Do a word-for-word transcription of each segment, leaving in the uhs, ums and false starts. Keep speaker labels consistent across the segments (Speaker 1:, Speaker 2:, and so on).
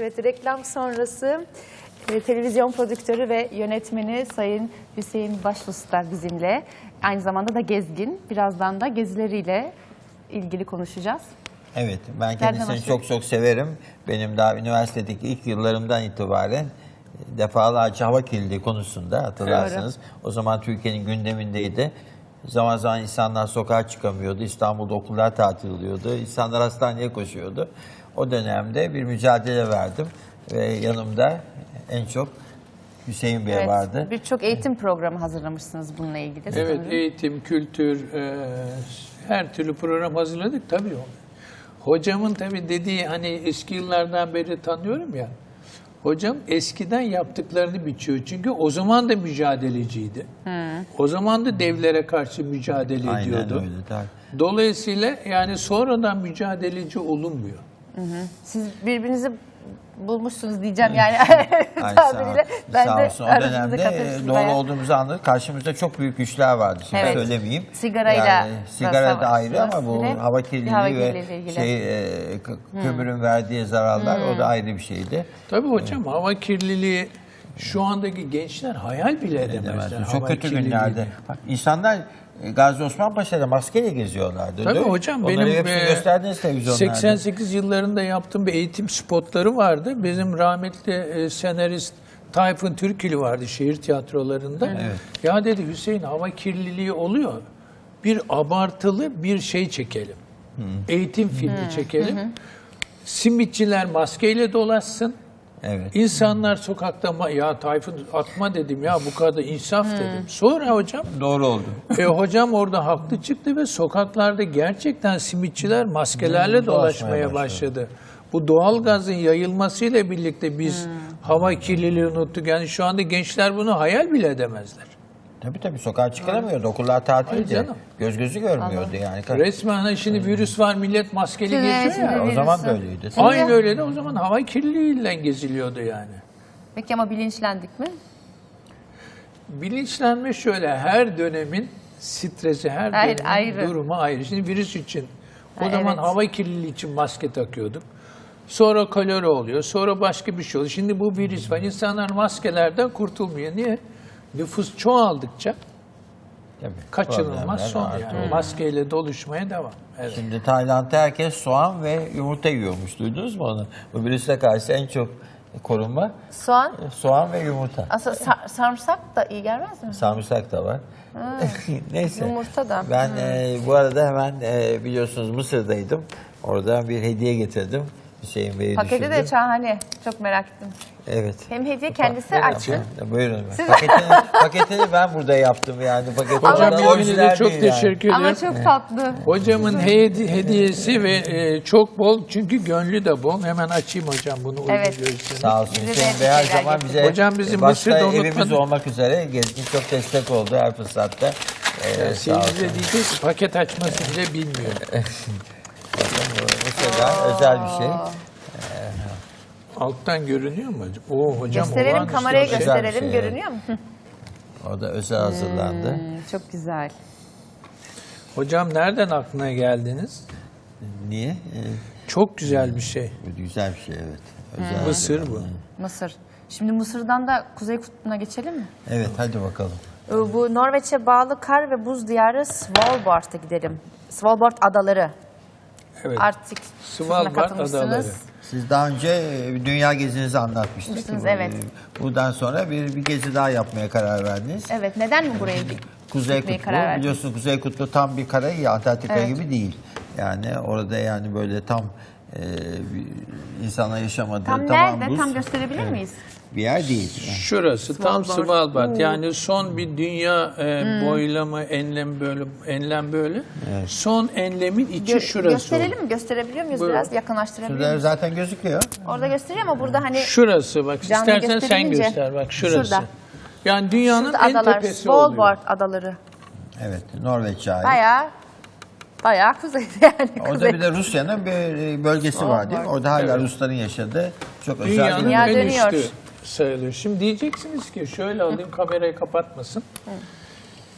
Speaker 1: Evet, reklam sonrası e, televizyon prodüktörü ve yönetmeni Sayın Hüseyin Başusta bizimle. Aynı zamanda da gezgin. Birazdan da gezileriyle ilgili konuşacağız.
Speaker 2: Evet, ben kendisini çok çok severim. Benim daha üniversitedeki ilk yıllarımdan itibaren defalarca hava kirliliği konusunda hatırlarsınız. Evet. O zaman Türkiye'nin gündemindeydi. Zaman zaman insanlar sokağa çıkamıyordu. İstanbul'da okullar tatil oluyordu. İnsanlar hastaneye koşuyordu. O dönemde bir mücadele verdim. Ve yanımda en çok Hüseyin Bey evet, vardı.
Speaker 1: Birçok eğitim programı hazırlamışsınız bununla ilgili.
Speaker 3: Evet, sanırım. Eğitim, kültür, e, her türlü program hazırladık tabii. Hocamın tabii dediği, hani eski yıllardan beri tanıyorum ya. Hocam eskiden yaptıklarını biçiyor. Çünkü o zaman da mücadeleciydi. Hmm. O zaman da devlere karşı mücadele
Speaker 2: Aynen
Speaker 3: ediyordu.
Speaker 2: Öyle, tabii.
Speaker 3: Dolayısıyla yani sonradan mücadeleci olunmuyor.
Speaker 1: Hı hı. Siz birbirinizi bulmuşsunuz diyeceğim yani.
Speaker 2: Ay,
Speaker 1: tabiriyle.
Speaker 2: Sağ,
Speaker 1: ben
Speaker 2: sağ
Speaker 1: de
Speaker 2: olsun. O dönemde doğru bayağı olduğumuzu anladık. Karşımızda çok büyük güçler vardı. Şimdi evet, söylemeyeyim.
Speaker 1: Sigarayla.
Speaker 2: Yani, sigara da ayrı ama bu hava kirliliği
Speaker 1: hava
Speaker 2: ve şey, e, kömürün hmm. verdiği zararlar hmm. o da ayrı bir şeydi.
Speaker 3: Tabii hocam evet, hava kirliliği şu andaki gençler hayal bile edemezler.
Speaker 2: Çok kötü günlerde. Bak, insanlar Gazi Osman Paşa'da maskeyle geziyorlardı.
Speaker 3: Tabii hocam,
Speaker 2: onları
Speaker 3: benim
Speaker 2: gösterdiniz televizyonlarda.
Speaker 3: seksen sekiz yıllarında yaptığım bir eğitim spotları vardı. Bizim rahmetli e, senarist Tayfun Türkili vardı şehir tiyatrolarında. Evet. Ya dedi Hüseyin, hava kirliliği oluyor. Bir abartılı bir şey çekelim. Hı. Eğitim filmi Hı. çekelim. Hı hı. Simitçiler maskeyle dolaşsın. Evet. İnsanlar sokakta, ya Tayfun atma dedim ya, bu kadar insaf hmm. dedim. Sonra hocam.
Speaker 2: Doğru oldu.
Speaker 3: E, hocam orada haklı çıktı ve sokaklarda gerçekten simitçiler maskelerle hmm, dolaşmaya başladı. başladı. Bu doğal gazın yayılmasıyla birlikte biz hmm. hava kirliliği unuttuk. Yani şu anda gençler bunu hayal bile edemezler.
Speaker 2: Tabii tabii, sokağa çıkaramıyordu. Okullar tatildi. Göz gözü görmüyordu Anladım. yani.
Speaker 3: Resmen hani şimdi hmm. virüs var, millet maskeli
Speaker 1: evet,
Speaker 3: geziyor ya.
Speaker 2: O zaman da öyleydi.
Speaker 3: Aynı öyle de o zaman hava kirliliğiyle geziliyordu yani.
Speaker 1: Peki ama bilinçlendik mi?
Speaker 3: Bilinçlenme şöyle, her dönemin stresi, her
Speaker 1: Hayır,
Speaker 3: dönemin
Speaker 1: ayrı.
Speaker 3: durumu ayrı. Şimdi virüs için o
Speaker 1: ha,
Speaker 3: zaman
Speaker 1: evet.
Speaker 3: hava kirliliği için maske takıyorduk. Sonra kolera oluyor, sonra başka bir şey oluyor. Şimdi bu virüs var. İnsanlar maskelerden kurtulmuyor. Niye? Nüfus çoğaldıkça Tabii, kaçınılmaz son yani. Hmm. Maskeyle doluşmaya devam. Evet.
Speaker 2: Şimdi Tayland'da herkes soğan ve yumurta yiyormuş. Duydunuz mu onu? Bu virüse karşı en çok korunma
Speaker 1: soğan,
Speaker 2: soğan ve yumurta.
Speaker 1: Aslında sar, sarımsak da iyi gelmez mi?
Speaker 2: Sarımsak da var. Neyse.
Speaker 1: Yumurta da.
Speaker 2: Ben
Speaker 1: hmm.
Speaker 2: e, bu arada hemen e, biliyorsunuz Mısır'daydım. Oradan bir hediye getirdim. Hüseyin Bey'i
Speaker 1: Paketi
Speaker 2: düşündüm.
Speaker 1: de şahane. Çok merak ettim.
Speaker 2: Evet.
Speaker 1: Hem hediye kendisi açtı.
Speaker 2: Buyurun. Paketini, paketini ben burada yaptım yani.
Speaker 3: Hocam birbirinize çok teşekkür ederim.
Speaker 1: Ama çok tatlı.
Speaker 3: Hocamın hedi hediyesi ve e, çok bol, çünkü gönlü de bol. Hemen açayım hocam bunu.
Speaker 1: Evet.
Speaker 2: Sağ olsun. Hüseyin Bey her zaman bize
Speaker 3: hocam bizim
Speaker 2: başta evimiz olmak üzere gezgin çok destek oldu her fırsatta.
Speaker 3: Ee, yani Seyircize diyeceğiz ki paket açması bile bilmiyor.
Speaker 2: Mesela özel bir şey.
Speaker 3: Alttan görünüyor mu hocam? Oo, hocam
Speaker 1: gösterelim, kameraya
Speaker 3: şey.
Speaker 1: gösterelim.
Speaker 2: Şey,
Speaker 1: görünüyor mu?
Speaker 2: O da özel hazırlandı.
Speaker 1: Hmm, çok güzel.
Speaker 3: Hocam nereden aklına geldiniz?
Speaker 2: Niye? Ee,
Speaker 3: çok güzel bir şey.
Speaker 2: Güzel bir şey, evet. Özel
Speaker 3: hmm. Mısır bu.
Speaker 1: Mısır. Şimdi Mısır'dan da Kuzey Kutbu'na geçelim mi?
Speaker 2: Evet, hadi bakalım.
Speaker 1: Bu Norveç'e bağlı kar ve buz diyarı Svalbard'a gidelim. Svalbard adaları.
Speaker 3: Evet.
Speaker 1: Artık
Speaker 3: Svalbard adaları.
Speaker 2: Siz daha önce dünya gezinizi anlatmıştınız.
Speaker 1: Evet.
Speaker 2: Buradan sonra bir, bir gezi daha yapmaya karar verdiniz.
Speaker 1: Evet. Neden mi buraya bir
Speaker 2: Kuzey Kutbu, biliyorsunuz Kuzey Kutbu tam bir kara, ya Antarktika evet. gibi değil. Yani orada yani böyle tam e, insanlar yaşamadığı
Speaker 1: tam
Speaker 2: tamam
Speaker 1: nerede?
Speaker 2: buz.
Speaker 1: Tam gösterebilir evet. miyiz?
Speaker 2: Bir yer değil. Yani.
Speaker 3: Şurası Svalbard. Tam Svalbard. Yani son bir dünya e, hmm. boylama, enlem böyle, enlem böyle. Evet. Son enlemin içi Gö şurası.
Speaker 1: Gösterelim mi? Gösterebiliyor muyuz? Buyurun. Biraz yakınlaştırabiliyor
Speaker 2: Şurada
Speaker 1: muyuz?
Speaker 2: zaten gözüküyor.
Speaker 1: Orada gösteriyor ama burada hani...
Speaker 3: Şurası bak. İstersen sen göster. Bak şurası. Şurada. Yani dünyanın
Speaker 1: Şurada
Speaker 3: en
Speaker 1: adalar,
Speaker 3: tepesi
Speaker 1: Svalbard
Speaker 3: oluyor.
Speaker 1: adaları.
Speaker 2: Evet. Norveç'e ait.
Speaker 1: Bayağı Bayağı kuzeyde yani.
Speaker 2: Orada
Speaker 1: kuzey.
Speaker 2: bir de Rusya'nın bir bölgesi var değil mi? Orada hala evet. Rusların yaşadığı çok özel
Speaker 3: dünyanın
Speaker 2: bir
Speaker 1: Dünya
Speaker 3: en
Speaker 1: dönüyor.
Speaker 3: üstü sayılır. Şimdi diyeceksiniz ki şöyle alayım, kamerayı kapatmasın. Hı.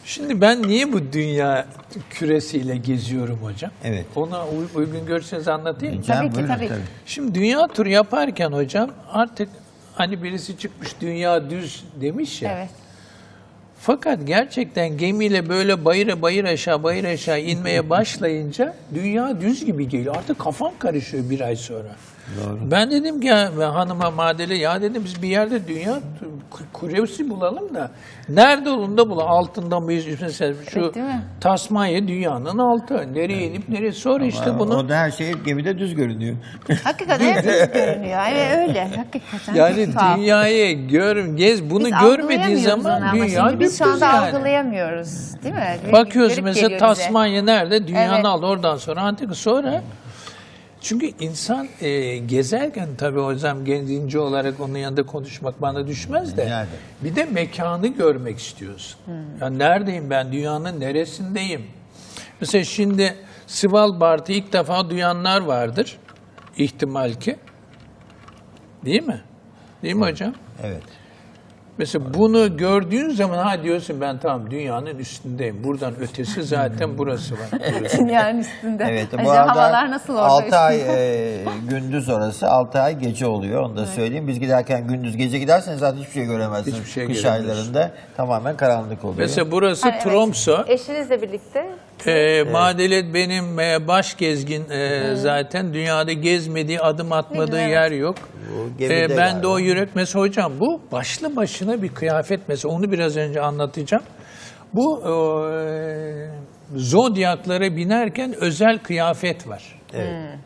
Speaker 3: Şimdi ben niye bu dünya küresiyle geziyorum hocam?
Speaker 2: Evet.
Speaker 3: Ona uy- uygun görürseniz anlatayım mı?
Speaker 1: Tabii ki,
Speaker 2: buyurun,
Speaker 1: tabii ki.
Speaker 3: Şimdi dünya turu yaparken hocam artık hani birisi çıkmış dünya düz demiş ya.
Speaker 1: Evet.
Speaker 3: Fakat gerçekten gemiyle böyle bayıra bayır aşağı bayır aşağı inmeye başlayınca dünya düz gibi geliyor. Artık kafam karışıyor bir ay sonra.
Speaker 2: Doğru.
Speaker 3: Ben dedim ki ya, ben hanıma Madele ya dedim biz bir yerde dünya ku- kuresi bulalım da nerede olduğunu da bulalım. Altında mıyız? Mesela şu
Speaker 1: Evet, değil mi?
Speaker 3: Tasmanya dünyanın altı. Nereye inip nereye sonra işte bunu.
Speaker 2: Orada her şey gemide düz görünüyor.
Speaker 1: Hakikaten hep düz görünüyor. Evet öyle. Hakikaten.
Speaker 3: Yani
Speaker 1: Tuhaf.
Speaker 3: dünyayı gör, gez bunu
Speaker 1: Biz
Speaker 3: görmediğin
Speaker 1: algılayamıyoruz
Speaker 3: zaman
Speaker 1: onu ama
Speaker 3: dünya
Speaker 1: şimdi biz şu
Speaker 3: dümdüz
Speaker 1: anda
Speaker 3: yani.
Speaker 1: algılayamıyoruz. Değil mi? Garip-
Speaker 3: Bakıyoruz
Speaker 1: garip
Speaker 3: mesela
Speaker 1: geliyor bize.
Speaker 3: Tasmanya nerede? Dünyanın
Speaker 1: Evet.
Speaker 3: altı. Oradan sonra Antika sonra. Çünkü insan e, gezerken tabii hocam genci olarak onun yanında konuşmak bana düşmez de.
Speaker 2: Yani.
Speaker 3: Bir de mekanı görmek istiyorsun. Ya neredeyim ben? Dünyanın neresindeyim? Mesela şimdi Svalbard'ı ilk defa duyanlar vardır. İhtimal ki. Değil mi? Değil mi hocam?
Speaker 2: Evet.
Speaker 3: Mesela bunu gördüğün zaman ha diyorsun ben tamam dünyanın üstündeyim. Buradan ötesi zaten burası var. Burası.
Speaker 1: Dünyanın üstünde.
Speaker 2: Evet. Bu
Speaker 1: Acaba
Speaker 2: arada
Speaker 1: havalar nasıl orada?
Speaker 2: altı ay
Speaker 1: üstünde?
Speaker 2: e, gündüz orası, altı ay gece oluyor. Onu da söyleyeyim. Biz giderken gündüz gece giderseniz zaten hiçbir şey göremezsiniz.
Speaker 3: Hiçbir şey
Speaker 2: Kış
Speaker 3: göremiyorsun.
Speaker 2: aylarında tamamen karanlık oluyor.
Speaker 3: Mesela burası
Speaker 1: Ha, evet.
Speaker 3: Tromsø.
Speaker 1: Eşinizle birlikte.
Speaker 3: Ee, Madelet benim e, baş gezgin e, zaten. Dünyada gezmediği, adım atmadığı
Speaker 1: güzel,
Speaker 3: yer yok.
Speaker 2: Bu gemide
Speaker 3: Ee, ben
Speaker 2: galiba.
Speaker 3: de o yürek. Mesela hocam bu başlı başına bir kıyafet mesela. Onu biraz önce anlatacağım. Bu e, zodyaklara binerken özel kıyafet var.
Speaker 2: Evet.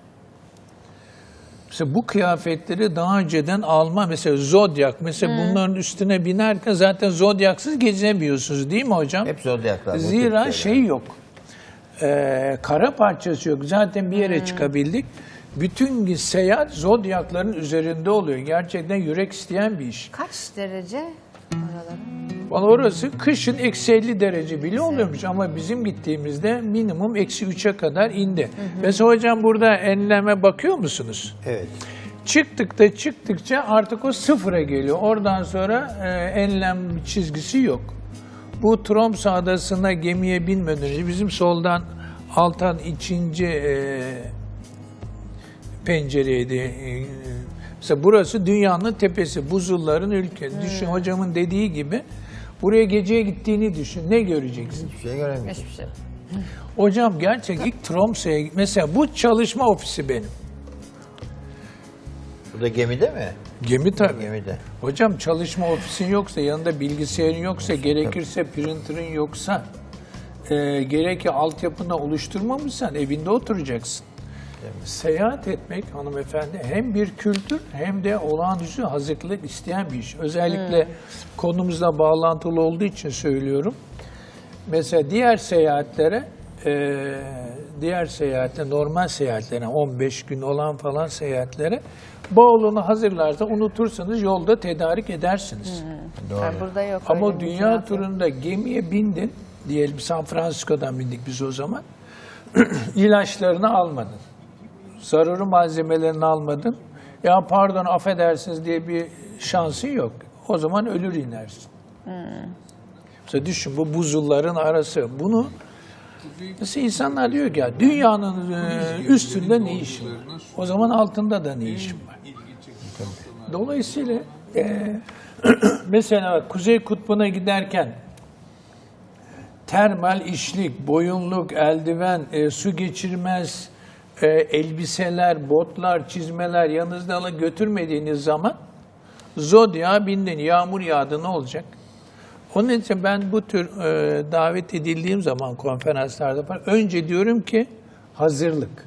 Speaker 3: Mesela bu kıyafetleri daha önceden alma. Mesela zodyak. Mesela bunların üstüne binerken zaten zodyaksız gezemiyorsunuz değil mi hocam?
Speaker 2: Hep zodyaklar. bu
Speaker 3: Zira
Speaker 2: tip
Speaker 3: şey
Speaker 2: şeyler.
Speaker 3: yok. Ee, kara parçası yok. Zaten bir yere çıkabildik. Bütün seyahat zodyakların üzerinde oluyor. Gerçekten yürek isteyen bir iş.
Speaker 1: Kaç derece oraları?
Speaker 3: Valla orası kışın eksi elli derece bile oluyormuş ama bizim gittiğimizde minimum eksi üçe kadar indi. Mesela hocam burada enleme bakıyor musunuz?
Speaker 2: Evet.
Speaker 3: Çıktıkta çıktıkça artık o sıfıra geliyor. Oradan sonra e, enlem çizgisi yok. Bu Tromsø adasına gemiye binmeden önce bizim soldan Altan ikinci e, pencereydi. E, mesela burası dünyanın tepesi, buzulların ülke. Düşün hocamın dediği gibi buraya geceye gittiğini düşün. Ne göreceksin?
Speaker 2: Hiçbir şey göremiyorsun.
Speaker 1: Hiçbir şey.
Speaker 3: Hocam gerçek ilk Tromsø'ya mesela bu çalışma ofisi benim.
Speaker 2: Bu da gemide mi?
Speaker 3: Gemi tabii.
Speaker 2: Gemide.
Speaker 3: Hocam çalışma ofisin yoksa, yanında bilgisayarın yoksa, gerekirse printer'ın yoksa, e, gerek ki altyapını oluşturmamışsan evinde oturacaksın. Seyahat etmek hanımefendi hem bir kültür hem de olağanüstü hazırlık isteyen bir iş. Özellikle konumuzla bağlantılı olduğu için söylüyorum. Mesela diğer seyahatlere, e, diğer seyahatle, normal seyahatlere, on beş gün olan falan seyahatlere bavulunu hazırlarsa unutursanız yolda tedarik edersiniz.
Speaker 2: Doğru.
Speaker 1: Yani burada yok.
Speaker 3: Ama
Speaker 1: öyle bir
Speaker 3: dünya
Speaker 1: cevap yok.
Speaker 3: turunda gemiye bindin, diyelim San Francisco'dan bindik biz o zaman, ilaçlarını almadın, zararlı malzemelerini almadın, ya pardon affedersiniz diye bir şansın yok. O zaman ölür inersin. Mesela düşün bu buzulların arası, bunu mesela insanlar diyor ki ya dünyanın e, üstünde ne işim var? O zaman altında da ne işim var? Dolayısıyla e, mesela Kuzey Kutbu'na giderken termal işlik, boyunluk, eldiven, e, su geçirmez e, elbiseler, botlar, çizmeler yanınızda alıp götürmediğiniz zaman zodya bindin, yağmur yağdı ne olacak? Onun için ben bu tür e, davet edildiğim zaman konferanslarda falan önce diyorum ki hazırlık.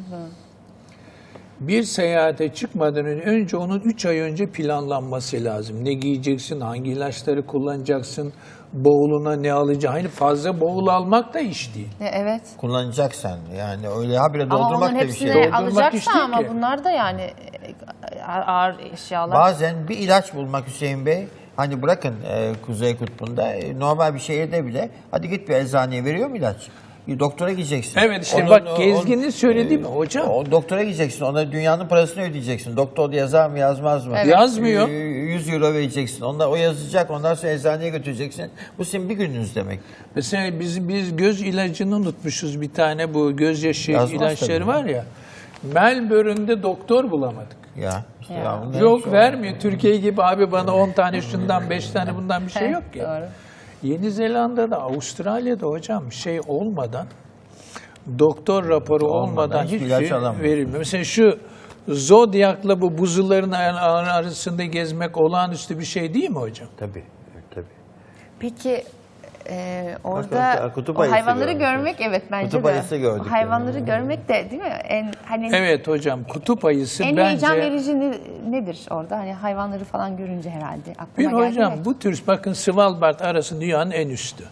Speaker 3: Bir seyahate çıkmadan önce, önce onun üç ay önce planlanması lazım. Ne giyeceksin, hangi ilaçları kullanacaksın, bavuluna ne alacaksın. Hani fazla bavul almak da iş değil.
Speaker 1: E, Evet.
Speaker 2: Kullanacaksan yani öyle habire
Speaker 1: Ama
Speaker 2: doldurmak
Speaker 1: onun
Speaker 2: da bir şey.
Speaker 1: hepsini
Speaker 3: Doldurmak iş
Speaker 1: alacaksa
Speaker 3: değil
Speaker 1: ama
Speaker 3: ki.
Speaker 1: bunlar da yani e, ağır eşyalar.
Speaker 2: Bazen bir ilaç bulmak Hüseyin Bey, hani bırakın e, Kuzey Kutbu'nda, e, normal bir şehirde bile, hadi git bir eczaneye veriyor mu ilaç? doktora gideceksin.
Speaker 3: Evet işte
Speaker 2: Onun-
Speaker 3: bak
Speaker 2: o-
Speaker 3: Gezgin'in
Speaker 2: o-
Speaker 3: söylediği mi hocam?
Speaker 2: O doktora gideceksin. Ona dünyanın parasını ödeyeceksin. Doktor yazar mı yazmaz mı?
Speaker 1: Evet.
Speaker 3: Yazmıyor.
Speaker 2: Ee, yüz euro vereceksin. Onlar o yazacak. Ondan sonra eczaneye götüreceksin. Bu sizin bir gününüz demek.
Speaker 3: Mesela biz, biz göz ilacını unutmuşuz bir tane, bu gözyaşı
Speaker 2: Yazmaz
Speaker 3: ilaçları
Speaker 2: tabii.
Speaker 3: var ya. Melbourne'de doktor bulamadık.
Speaker 2: Ya. işte
Speaker 1: Ya.
Speaker 2: ya bunlar
Speaker 3: Yok
Speaker 2: çok-
Speaker 3: vermiyor. Türkiye gibi abi bana on tane şundan beş tane bundan bir şey yok ya.
Speaker 1: Doğru.
Speaker 3: Yeni Zelanda'da, Avustralya'da hocam şey olmadan, doktor raporu
Speaker 2: Olmadan
Speaker 3: olmadan
Speaker 2: hiçbir
Speaker 3: hiçbir
Speaker 2: ilaç
Speaker 3: şey
Speaker 2: alamıyor.
Speaker 3: verilmiyor. Mesela şu Zodyak'la bu buzulların ar- arasında gezmek olağanüstü bir şey değil mi hocam?
Speaker 2: Tabii. Tabii.
Speaker 1: Peki e,
Speaker 2: Bak,
Speaker 1: orada
Speaker 2: kutup
Speaker 1: o
Speaker 2: ayısı
Speaker 1: hayvanları
Speaker 2: görmüşüz.
Speaker 1: görmek evet bence
Speaker 2: Kutup
Speaker 1: de.
Speaker 2: ayısı gördük
Speaker 1: O hayvanları
Speaker 2: yani.
Speaker 1: görmek de değil mi? En hani
Speaker 3: Evet hocam, kutup ayısı
Speaker 1: en
Speaker 3: bence...
Speaker 1: heyecan verici ne- nedir orada? Hani hayvanları falan görünce herhalde
Speaker 3: Bir
Speaker 1: aklıma geldi.
Speaker 3: hocam
Speaker 1: de.
Speaker 3: bu tür, bakın Svalbard arası dünyanın en üstü.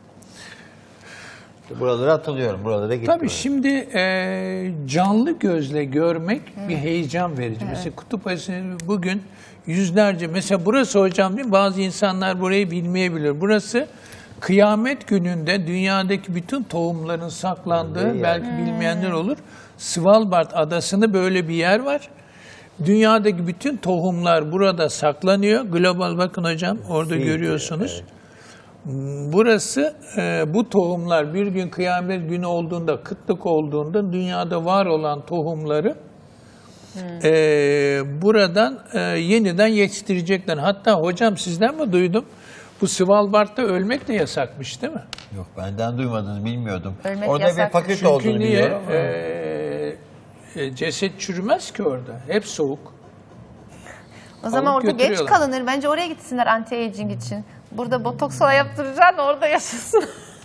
Speaker 2: Buraları hatırlıyorum. Buralara gittim.
Speaker 3: Tabii şimdi e, canlı gözle görmek bir heyecan verici. Mesela kutup ayısını bugün yüzlerce, mesela burası hocam değil mi? Bazı insanlar burayı bilmeyebilir. Burası kıyamet gününde dünyadaki bütün tohumların saklandığı,
Speaker 2: Yer.
Speaker 3: belki bilmeyenler olur. Svalbard adasında böyle bir yer var. Dünyadaki bütün tohumlar burada saklanıyor. Global, bakın hocam orada
Speaker 2: Fiji,
Speaker 3: görüyorsunuz. Burası, e, bu tohumlar bir gün kıyamet günü olduğunda, kıtlık olduğunda dünyada var olan tohumları e, buradan e, yeniden yetiştirecekler. Hatta hocam sizden mi duydum? Bu Svalbard'da ölmek de yasakmış değil mi?
Speaker 2: Yok, benden duymadınız, bilmiyordum.
Speaker 1: Ölmek
Speaker 2: Orada
Speaker 1: yasak.
Speaker 2: bir fakülte
Speaker 3: Çünkü
Speaker 2: olduğunu
Speaker 3: niye?
Speaker 2: biliyorum. ama-
Speaker 3: E, e, ceset çürümez ki orada. Hep soğuk.
Speaker 1: O zaman
Speaker 3: alıp
Speaker 1: orada geç
Speaker 3: götürüyorlar.
Speaker 1: kalınır. Bence oraya gitsinler anti-aging için. Burada botoks falan yaptıracaksın orada yaşasın.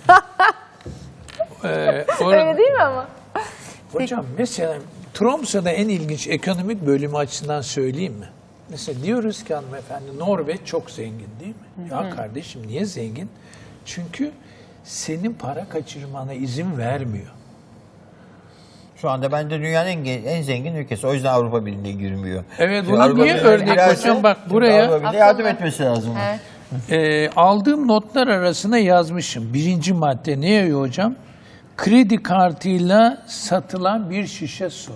Speaker 3: E, orada-
Speaker 1: Öyle değil mi ama?
Speaker 3: Hocam mesela Tromsø'da en ilginç ekonomik bölümü açısından söyleyeyim mi? Mesela diyoruz ki hanımefendi Norveç çok zengin değil mi? Ya kardeşim niye zengin? Çünkü senin para kaçırmana izin vermiyor.
Speaker 2: Şu anda bence dünyanın en, ge- en zengin ülkesi. O yüzden Avrupa Birliği'ne girmiyor.
Speaker 3: Evet,
Speaker 2: Çünkü
Speaker 3: buna
Speaker 2: Avrupa
Speaker 3: niye
Speaker 2: Birliği'ne
Speaker 3: örnek
Speaker 2: girerse,
Speaker 3: hocam? Bak
Speaker 2: çünkü
Speaker 3: buraya-
Speaker 2: Avrupa Birliği yardım
Speaker 1: Akıllı.
Speaker 2: etmesi lazım. ona.
Speaker 1: Evet.
Speaker 3: Ee, aldığım notlar arasına yazmışım. Birinci madde ne yazıyor hocam? Kredi kartıyla satılan bir şişe su.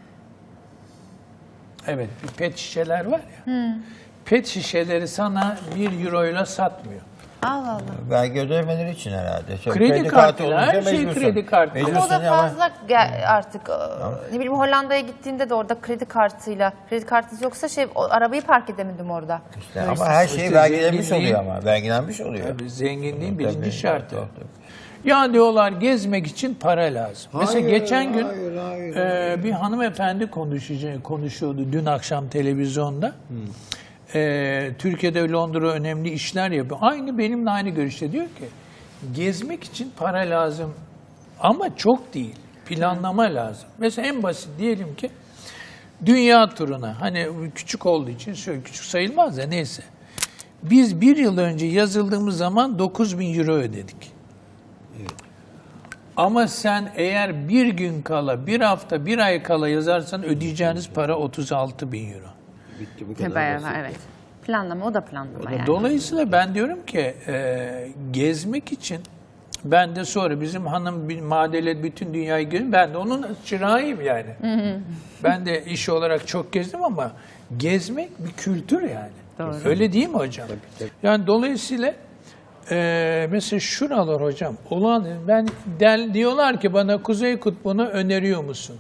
Speaker 3: Evet, bir pet şişeler var ya. Pet şişeleri sana bir euroyla satmıyor.
Speaker 1: Allah Allah.
Speaker 2: Vergi ödemeleri için herhalde. Şöyle
Speaker 3: Kredi kartıyla, her şey
Speaker 2: mecbursun.
Speaker 3: kredi kartıyla.
Speaker 1: Ama o
Speaker 2: Mecbursun
Speaker 1: da
Speaker 2: ama-
Speaker 1: fazla gel- artık e, ne bileyim Hollanda'ya gittiğinde de orada kredi kartıyla, kredi kartı yoksa şey o, arabayı park edemedim orada.
Speaker 2: İşte ama her şey
Speaker 3: İşte
Speaker 2: vergilenmiş
Speaker 3: zenginliğin-
Speaker 2: oluyor ama. Vergilenmiş oluyor.
Speaker 3: Tabii zenginliğin
Speaker 2: Tabii,
Speaker 3: birinci şartı.
Speaker 2: tabii, tabii.
Speaker 3: Ya diyorlar gezmek için para lazım. Mesela
Speaker 2: Hayır,
Speaker 3: geçen gün
Speaker 2: hayır, hayır,
Speaker 3: e, bir hanımefendi konuşucu, konuşuyordu dün akşam televizyonda. E, Türkiye'de Londra önemli işler yapıyor. Aynı benimle aynı görüşte, diyor ki gezmek için para lazım ama çok değil. Planlama lazım. Mesela en basit diyelim ki dünya turuna, hani küçük olduğu için şöyle küçük sayılmaz da neyse. Biz bir yıl önce yazıldığımız zaman dokuz bin euro ödedik. Ama sen eğer bir gün kala, bir hafta, bir ay kala yazarsan ödeyeceğiniz para otuz altı bin euro.
Speaker 2: Bitti bu
Speaker 1: Tabii,
Speaker 2: kadar
Speaker 1: bayağı,
Speaker 2: basit.
Speaker 1: evet. Planlama o da planlama yani.
Speaker 3: Dolayısıyla ben diyorum ki e, gezmek için, ben de sonra bizim hanım bir madele bütün dünyayı gezdim. Ben de onun çırağıyım yani. Ben de iş olarak çok gezdim ama gezmek bir kültür yani.
Speaker 1: Doğru.
Speaker 3: Öyle değil mi hocam? Yani dolayısıyla e, mesela şuralar hocam olan, ben del, diyorlar ki bana Kuzey Kutbu'nu öneriyor musun?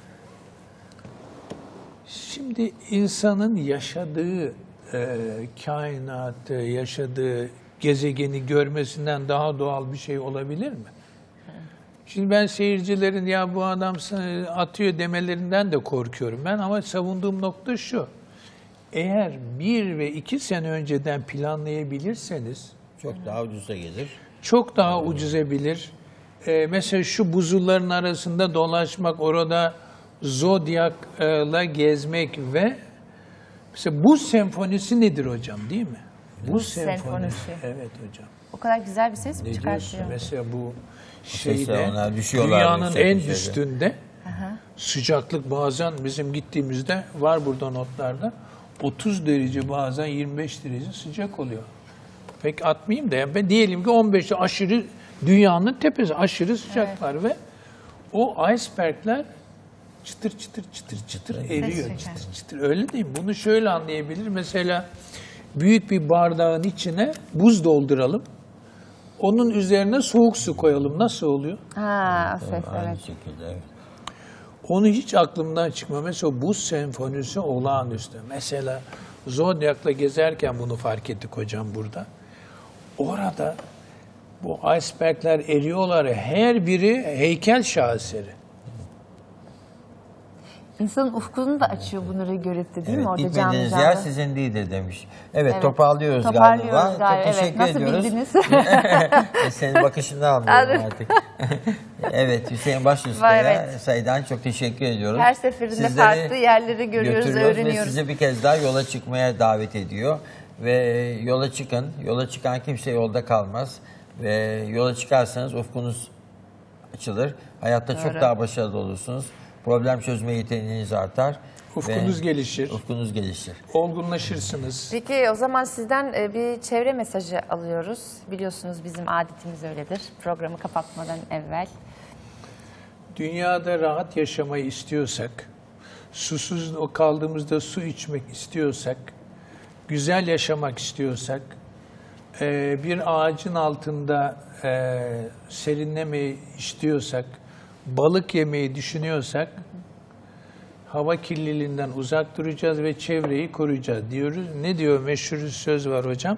Speaker 3: Şimdi insanın yaşadığı e, kainatı, yaşadığı gezegeni görmesinden daha doğal bir şey olabilir mi? Şimdi ben seyircilerin ya bu adam atıyor demelerinden de korkuyorum ben, ama savunduğum nokta şu. Eğer bir ve iki sene önceden planlayabilirseniz
Speaker 2: Çok daha ucuza gelir.
Speaker 3: çok daha ucuza bilir. Ee, mesela şu buzulların arasında dolaşmak, orada Zodyak'la gezmek ve mesela buz senfonisi nedir hocam, değil mi? Buz
Speaker 1: senfonisi.
Speaker 3: Evet hocam.
Speaker 1: O kadar güzel bir ses mi
Speaker 3: Ne diyorsun?
Speaker 1: çıkartıyor?
Speaker 3: Mesela bu
Speaker 2: sesler,
Speaker 3: şeyde
Speaker 2: onlar düşüyorlar
Speaker 3: dünyanın
Speaker 2: yüksek
Speaker 3: en
Speaker 2: bir şeyde.
Speaker 3: üstünde sıcaklık bazen bizim gittiğimizde var burada notlarda otuz derece, bazen yirmi beş derece sıcak oluyor. Pek atmayayım da yani ben diyelim ki on beşte aşırı Dünyanın tepesi aşırı sıcaklar ve o icebergler çıtır çıtır çıtır çıtır eriyor.
Speaker 1: çeker.
Speaker 3: Çıtır çıtır. Öyle değil mi? Bunu şöyle anlayabilir. Mesela büyük bir bardağın içine buz dolduralım. Onun üzerine soğuk su koyalım. Nasıl oluyor?
Speaker 1: Ha, o ses,
Speaker 2: Aynı
Speaker 1: evet.
Speaker 2: şekilde. Evet.
Speaker 3: Onu hiç aklımdan çıkmıyor. Mesela buz senfonisi olağanüstü. Mesela Zodiac'la gezerken bunu fark ettik hocam burada. Orada bu icebergler eriyorlar. Her biri heykel şaheseri.
Speaker 1: İnsanın ufkunu da açıyor bunları görüp de, değil mi?
Speaker 2: Evet,
Speaker 1: Orada canlı
Speaker 2: gitmediğiniz
Speaker 1: canlı.
Speaker 2: yer sizin değildir demiş. Evet,
Speaker 1: Evet,
Speaker 2: toparlıyoruz,
Speaker 1: toparlıyoruz
Speaker 2: galiba.
Speaker 1: galiba,
Speaker 2: Çok
Speaker 1: evet.
Speaker 2: teşekkür
Speaker 1: Nasıl
Speaker 2: ediyoruz.
Speaker 1: bildiniz?
Speaker 2: Senin bakışından anlıyorum
Speaker 1: Anladım.
Speaker 2: artık. Evet, Hüseyin
Speaker 1: Var,
Speaker 2: Başüstü'ye
Speaker 1: evet.
Speaker 2: sayıdan çok teşekkür ediyoruz.
Speaker 1: Her seferinde
Speaker 2: Sizleri
Speaker 1: farklı yerleri görüyoruz,
Speaker 2: götürüyoruz
Speaker 1: öğreniyoruz.
Speaker 2: Ve sizi bir kez daha yola çıkmaya davet ediyor. Ve yola çıkın. Yola çıkan kimse yolda kalmaz. Ve yola çıkarsanız ufkunuz açılır. Hayatta çok
Speaker 1: Doğru.
Speaker 2: daha başarılı olursunuz. Problem çözme yeteneğiniz artar.
Speaker 3: Ufkunuz
Speaker 2: ve
Speaker 3: gelişir.
Speaker 2: Ufkunuz gelişir.
Speaker 3: Olgunlaşırsınız.
Speaker 1: Peki o zaman sizden e, bir çevre mesajı alıyoruz. Biliyorsunuz bizim adetimiz öyledir. Programı kapatmadan evvel.
Speaker 3: Dünyada rahat yaşamayı istiyorsak, susuz kaldığımızda su içmek istiyorsak, güzel yaşamak istiyorsak, e, bir ağacın altında e, serinlemeyi istiyorsak, balık yemeyi düşünüyorsak, hava kirliliğinden uzak duracağız ve çevreyi koruyacağız diyoruz. Ne diyor? Meşhur bir söz var hocam.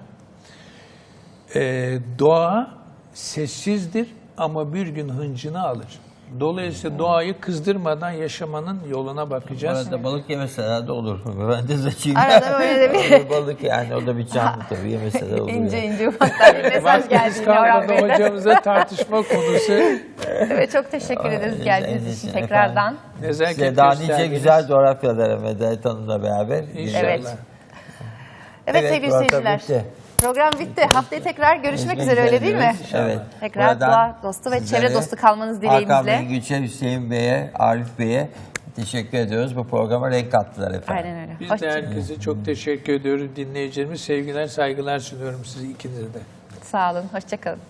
Speaker 3: E, doğa sessizdir ama bir gün hıncını alır. Dolayısıyla doğayı kızdırmadan yaşamanın yoluna
Speaker 2: Bu
Speaker 3: bakacağız.
Speaker 2: arada balık yemeseler de olur. Ben de açayım.
Speaker 1: Arada böyle de bir
Speaker 2: Balık yani o da bir canlı tabii yemeseler olur.
Speaker 1: ince
Speaker 2: yani.
Speaker 1: ince ufaktan bir mesaj
Speaker 3: Vaktimiz
Speaker 1: geldi yine Orhan
Speaker 3: kalmadı
Speaker 1: Bey'den.
Speaker 3: hocamıza tartışma konusu.
Speaker 1: Evet, çok teşekkür ederiz geldiğiniz için tekrardan.
Speaker 3: Nezaket
Speaker 2: Size daha nice
Speaker 3: gösterdiniz.
Speaker 2: güzel coğrafyalara Medet Hanım'la beraber.
Speaker 3: İnşallah.
Speaker 1: Evet. Evet,
Speaker 2: Evet,
Speaker 1: sevgili
Speaker 2: program
Speaker 1: seyirciler.
Speaker 2: bitti.
Speaker 1: Program bitti. Haftaya tekrar görüşmek
Speaker 2: Görüşmek
Speaker 1: üzere, öyle değil mi?
Speaker 2: diyoruz. Evet.
Speaker 1: Tekrar
Speaker 2: Buradan
Speaker 1: doğa dostu ve
Speaker 2: sizlere
Speaker 1: çevre dostu kalmanız
Speaker 2: Hakan
Speaker 1: dileğimizle.
Speaker 2: Mengüç'e, Hüseyin Bey'e, Arif Bey'e teşekkür ediyoruz. Bu programa renk kattılar efendim.
Speaker 1: Aynen öyle.
Speaker 3: Biz de
Speaker 1: Hoşça-
Speaker 3: herkese çok teşekkür ediyoruz. Dinleyicilerimiz sevgiler, saygılar sunuyorum size ikinize de.
Speaker 1: Sağ olun. Hoşçakalın.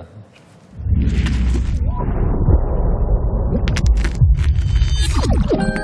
Speaker 2: Hoşçakalın.